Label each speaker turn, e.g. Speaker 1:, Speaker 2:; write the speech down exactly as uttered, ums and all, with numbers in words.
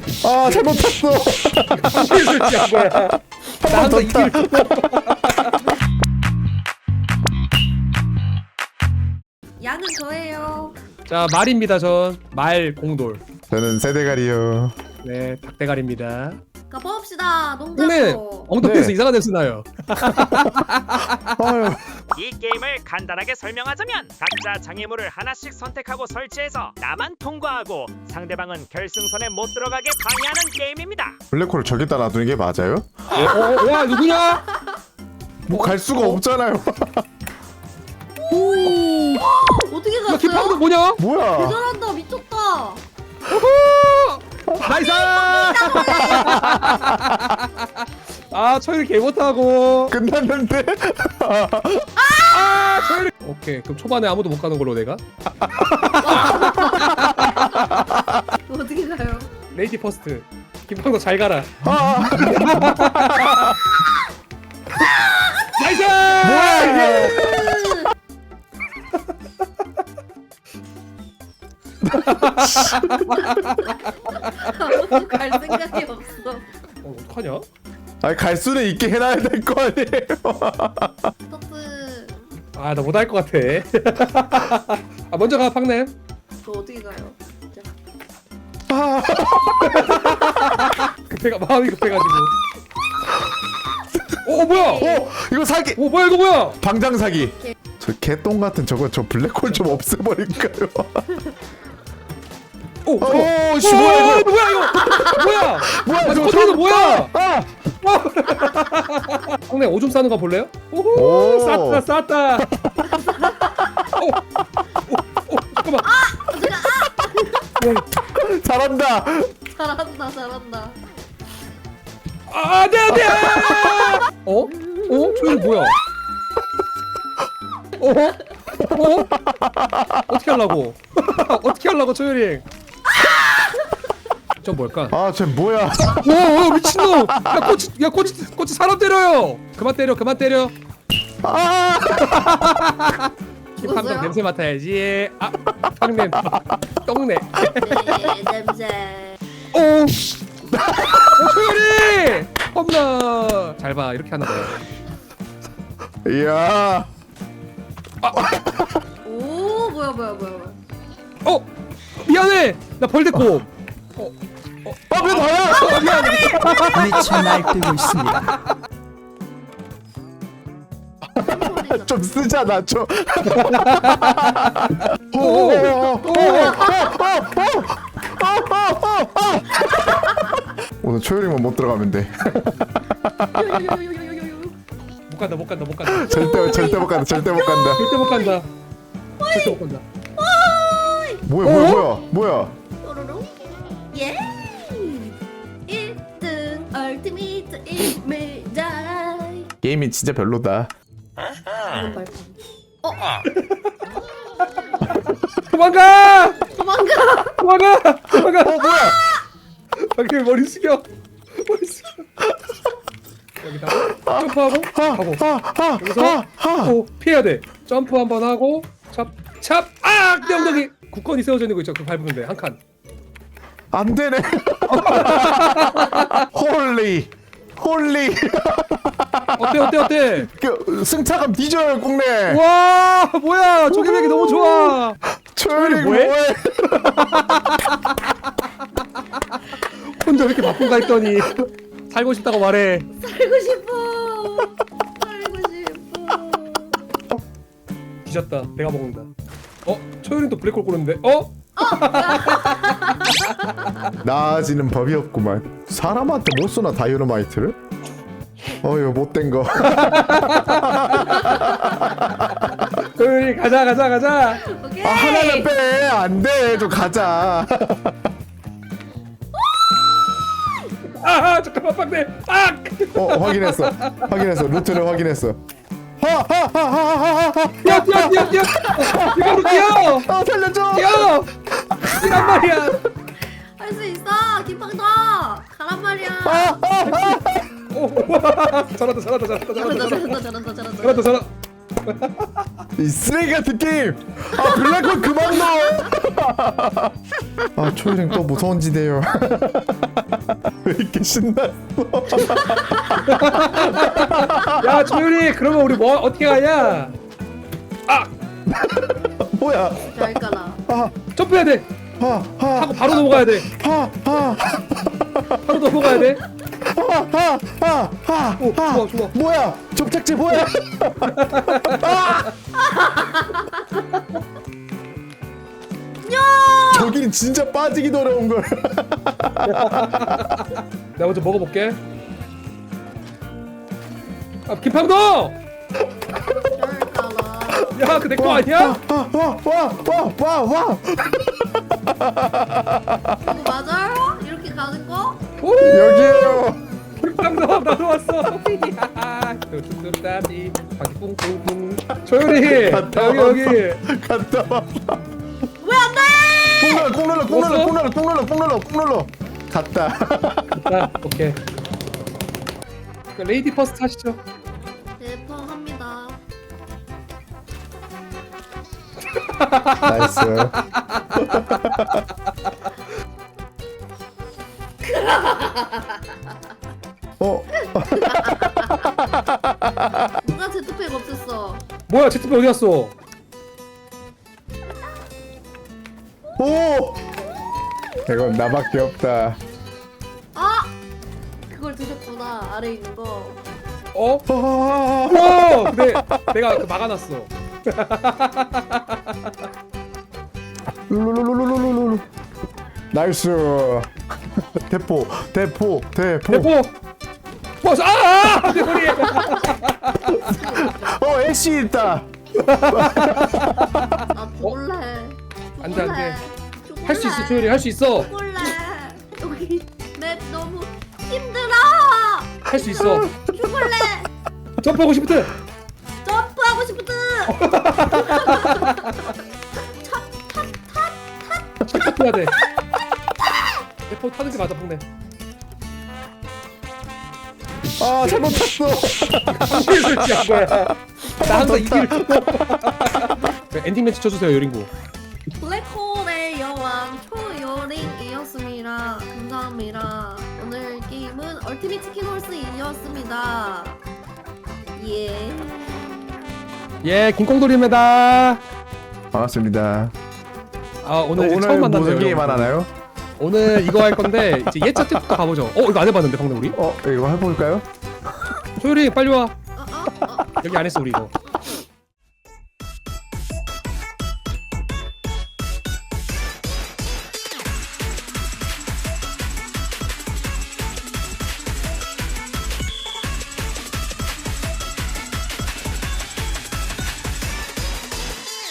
Speaker 1: 아 잘못 탔어.
Speaker 2: 무슨 설치한 거야? 나 항상 이 길.
Speaker 3: 양은 저예요.
Speaker 2: 자 말입니다. 전 말 공돌.
Speaker 1: 저는 세대가리요.
Speaker 2: 네 닭대가리입니다.
Speaker 3: 가봅시다.
Speaker 2: 근데
Speaker 3: 농장으로.
Speaker 2: 엉덩이에서
Speaker 1: 네.
Speaker 2: 이상한 냄새 나요.
Speaker 1: 아유.
Speaker 4: 이 게임을 간단하게 설명하자면 각자 장애물을 하나씩 선택하고 설치해서 나만 통과하고 상대방은 결승선에 못 들어가게 방해하는 게임입니다.
Speaker 1: 블랙홀을 저기다 놔두는 게 맞아요?
Speaker 2: 어, 어, 야 누구냐?
Speaker 1: 뭐 갈 수가 없잖아요.
Speaker 3: 어떻게
Speaker 2: 야 기파도
Speaker 3: 갔어요?
Speaker 2: 뭐냐?
Speaker 1: 뭐야?
Speaker 3: 대단한다. 미쳤다.
Speaker 2: 나이스! 아 초이를 개 못하고.
Speaker 1: 끝났는데?
Speaker 2: 아 초이를. 오케이 그럼 초반에 아무도 못 가는 걸로 내가.
Speaker 3: 어떻게 가요?
Speaker 2: 레이디 퍼스트. 김팡도 잘 가라.
Speaker 1: 아,
Speaker 2: 나이스!
Speaker 1: 뭐야 이게?
Speaker 3: 아무도 갈 생각이 없어.
Speaker 2: 어 어떡하냐?
Speaker 1: 아니 갈 수는 있게 해놔야 될 거 아니에요.
Speaker 3: 터트.
Speaker 2: 아 나 못할 것 같아. 아 먼저 가 팡냄.
Speaker 3: 저 어떻게 가요? 진짜.
Speaker 1: 아,
Speaker 2: 급해가 마음이 급해가지고. 오 어, 뭐야?
Speaker 1: 오 이거 사기.
Speaker 2: 오 뭐야 이거 뭐야?
Speaker 1: 방장 사기. 저 개똥 같은 저거 저 블랙홀 좀 없애버릴까요?
Speaker 2: 오
Speaker 1: 오,
Speaker 2: 오,
Speaker 1: 씨, 뭐야, 이거?
Speaker 2: 이거 뭐야 이거? 뭐야?
Speaker 1: 뭐야
Speaker 2: 아,
Speaker 1: 저거
Speaker 2: 컨트롤러 뭐야?
Speaker 1: 아,
Speaker 2: 형님 오줌 싸는 거 볼래요?
Speaker 1: 오.
Speaker 2: 오호 쌌다 쌌다. 오, 오, 오, 잠깐만.
Speaker 1: 잘한다.
Speaker 3: 잘한다. 잘한다.
Speaker 2: 아 안돼 안돼. 어? 어? 저기 뭐야? 어? 어? 어떻게 하려고? 어떻게 하려고 초유링? 저 뭘까?
Speaker 1: 아, 쟤 뭐야?
Speaker 2: 오, 오 미친놈! 야 꼬치, 야 꼬치, 꼬치 사람 때려요! 그만 때려, 그만 때려.
Speaker 1: 아,
Speaker 2: 김팡도
Speaker 3: 죽었어요?
Speaker 2: 냄새 맡아야지. 아, 팡냄, 똥내.
Speaker 3: 네, 냄새.
Speaker 2: 오, 오 초유링! 험나. 잘 봐, 이렇게 하나 봐요.
Speaker 1: 이야.
Speaker 3: 오, 뭐야, 뭐야, 뭐야, 뭐야.
Speaker 2: 어, 미안해. 나 벌됐고. 어,
Speaker 1: 아, 왜 나야?
Speaker 2: 어, 미안해.
Speaker 5: 미쳐 날뛰고 있습니다.
Speaker 1: 좀 쓰잖아, 좀. 오,
Speaker 2: 오,
Speaker 1: 오, 오, 오,
Speaker 2: 오,
Speaker 1: 오, 오. 오늘 초열이만 못 들어가면 돼.
Speaker 2: 못 간다, 못 간다, 못 간다.
Speaker 1: 절대 절대 못 간다. 절대 못 간다.
Speaker 2: 절대 못 간다. 절대 못 간다.
Speaker 1: 뭐야, 뭐야, 뭐야, 뭐야?
Speaker 3: 뾰로롱. 예. 일 등 얼티미트 임메달.
Speaker 1: 게임이 진짜 별로다.
Speaker 3: 이건 발판. 어,
Speaker 2: 도망가!
Speaker 3: 도망가.
Speaker 2: 도망가! 도망가!
Speaker 1: 어, 뭐야?
Speaker 2: 밖에 머리 숙여. 머리 숙여. 여기다 점프하고 가고.
Speaker 1: 아, 아,
Speaker 2: 여기서
Speaker 1: 아, 아.
Speaker 2: 오, 피해야 돼. 점프 한번 하고 찹, 찹. 아! 내 엉덩이. 국건이 세워져 있는 거 있죠. 그거 밟으면 돼. 한 칸.
Speaker 1: 안 되네. 홀리, 홀리.
Speaker 2: 어때 어때 어때?
Speaker 1: 그 승차감 뒤져요, 국내.
Speaker 2: 와 뭐야 조개백이 너무 좋아.
Speaker 1: 초열이
Speaker 2: 뭐해?
Speaker 1: 뭐해?
Speaker 2: 혼자 왜 이렇게 바쁜가 했더니 살고 싶다고 말해.
Speaker 3: 살고 싶어. 살고 싶어.
Speaker 2: 뒤졌다. 내가 먹는다. 어? 초율이 또 블랙홀 고르는데? 어?
Speaker 1: 나아지는 법이 없구만. 사람한테 못 쏘나 다이너마이트를? 어휴 못된 거.
Speaker 2: 초율이 가자 가자 가자.
Speaker 3: 오케이.
Speaker 1: 아, 하나는 빼. 안 돼. 좀 가자.
Speaker 2: 아 잠깐만 빡대. 아!
Speaker 1: 어 확인했어. 확인했어. 루트를 확인했어. 하하하하하하.
Speaker 2: 뛰어 뛰어 뛰어 뛰어. 뛰어 뛰어.
Speaker 1: 어 살려줘.
Speaker 2: 뛰어. 뛰란 말이야.
Speaker 3: 할 수 있어. 김팡도. 가란 말이야.
Speaker 1: 아, 아, 아.
Speaker 2: 오, 잘한다 잘한다 잘한다
Speaker 3: 잘한다,
Speaker 2: 잘한다
Speaker 3: 잘한다, 잘한다, 잘한다.
Speaker 2: 잘한다 잘한다.
Speaker 1: 이 쓰레기 같은 게임. 아 블랙홀 그만 넣어. 아 초이랭 또 무서운 지대요. 왜 이렇게 신났어?
Speaker 2: 야 조율이 그러면 우리 뭐 어떻게 가냐?
Speaker 1: 뭐야?
Speaker 3: 잘 가라.
Speaker 1: 아,
Speaker 2: 점프해야 돼.
Speaker 1: 아, 아,
Speaker 2: 하고 바로 넘어가야 돼.
Speaker 1: 아, 아,
Speaker 2: 바로 넘어가야 돼.
Speaker 1: 아, 아, 아, 아,
Speaker 2: 오,
Speaker 1: 아.
Speaker 2: 좋아, 좋아.
Speaker 1: 뭐야? 접착제 뭐야? 저기는 진짜 빠지기도 어려운 걸.
Speaker 2: 내가 먼저 먹어볼게. 아 김팡도!
Speaker 3: 잘 가라.
Speaker 2: 야 그 내 거 아니야?
Speaker 1: 와와와와와 와.
Speaker 3: 이거 맞아요? 이렇게 가는 거?
Speaker 2: 오!
Speaker 1: 여기에요.
Speaker 2: 김팡도 나도 왔어. 뚜뚜뚜따디 바퀴 뿡뿡뿡. 조율이
Speaker 1: 갔다
Speaker 2: 여기
Speaker 1: 왔어.
Speaker 2: 여기.
Speaker 1: 갔다 와.
Speaker 3: 왜 안 돼?
Speaker 1: 꾹 눌러 꾹 눌러 꾹 눌러 꾹 눌러 꾹 눌러 꾹 눌러 꾹 눌러. 갔다.
Speaker 2: 자 오케이. 그 레이디 퍼스트 하시죠.
Speaker 3: 대포합니다.
Speaker 1: 나이스. 어?
Speaker 3: 누가 제트팩 없앴어?
Speaker 2: 뭐야 제트팩 어디 갔어?
Speaker 1: 오! 이건 나밖에 없다.
Speaker 3: 아! 그걸 드셨구나. 아래 있는 거.
Speaker 2: 어?
Speaker 1: 아,
Speaker 2: 오! 근데 내가 그 막아놨어.
Speaker 1: 룰루루루루루루. 나이스. 대포, 대포, 대포.
Speaker 2: 대포. 버스 아! 아! 내 머리.
Speaker 1: 어, 애쉬 있다.
Speaker 3: 나 죽을래.
Speaker 2: 안 돼, 안 돼.
Speaker 3: 죽을래.
Speaker 2: 할 수 있어 조율이 할 수 있어.
Speaker 3: 죽을래. 여기 맵 너무 힘들어.
Speaker 2: 할 수 있어.
Speaker 3: 죽을래.
Speaker 2: 점프하고 싶거든.
Speaker 3: 점프하고 싶거든.
Speaker 2: 점프해야 돼. 대포 타는 게 맞아 뽕네.
Speaker 1: 아, 잘못 탔어.
Speaker 2: 무슨 설치한 거야? 나 항상 이길. 엔딩 매치 쳐주세요 요린구.
Speaker 3: 블랙홀의 여왕 초요링이었습니다. 감사합니다. 오늘 게임은 얼티밋 치킨 홀스이었습니다. 예.
Speaker 2: 예 김콩돌입니다.
Speaker 1: 반갑습니다.
Speaker 2: 아 오늘, 이제
Speaker 1: 오늘
Speaker 2: 처음 만났네요.
Speaker 1: 무슨 게임
Speaker 2: 여러분.
Speaker 1: 하나요?
Speaker 2: 오늘 이거 할 건데 이제 예차 때부터 가보죠. 어 이거 안 해봤는데 방금 우리?
Speaker 1: 어, 이거 해볼까요?
Speaker 2: 소율이 빨리 와.
Speaker 3: 어, 어, 어.
Speaker 2: 여기 안 했어 우리 이거.